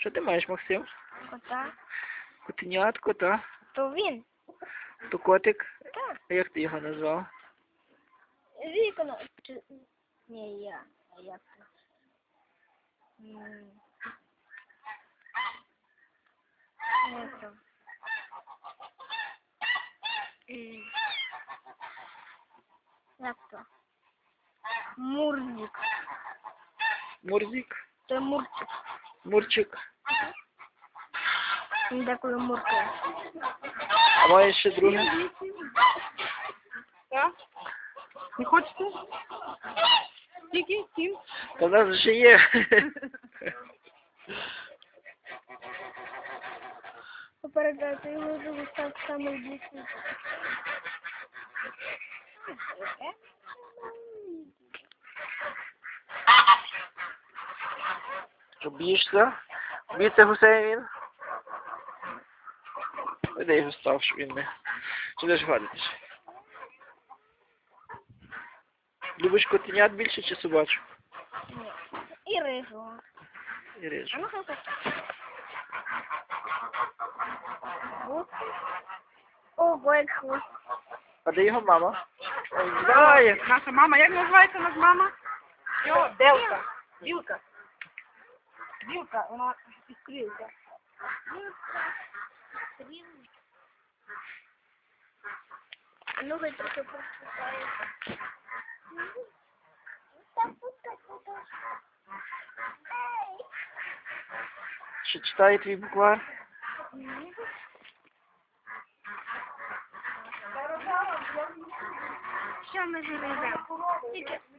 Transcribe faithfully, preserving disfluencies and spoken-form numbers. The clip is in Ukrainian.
Що ти маєш, Максим? Кота. Котенятко, та? То він. То котик? Так. А як ти його назвав? Вікно. Чи... Ні, я. А як то? М. Як то? М. Як то? Мурзик. Мурзик? Це Мурчик. Мурчик. Він деколи муркає. А маєш ще друге? Так? Не хочете? Скільки? Сім? Та в нас вже є. Попередати його живу став саме близький. Що, б'єшся? Б'ється гусей він? Де його став, щоб він не... Чи не ж гадитись? Любиш котенят більше чи собачок? Ні. І рижу. І А рижу. ну хай так. Хвост. Ого, як хвост. А де його мама? Ой, знає. Наша мама, як називається наша мама? Йо, Делка. Білка. Білка, вона іскрилка. А ну хай трохи поспускає. Що читає твій буквар? Що ми живемо? Тільки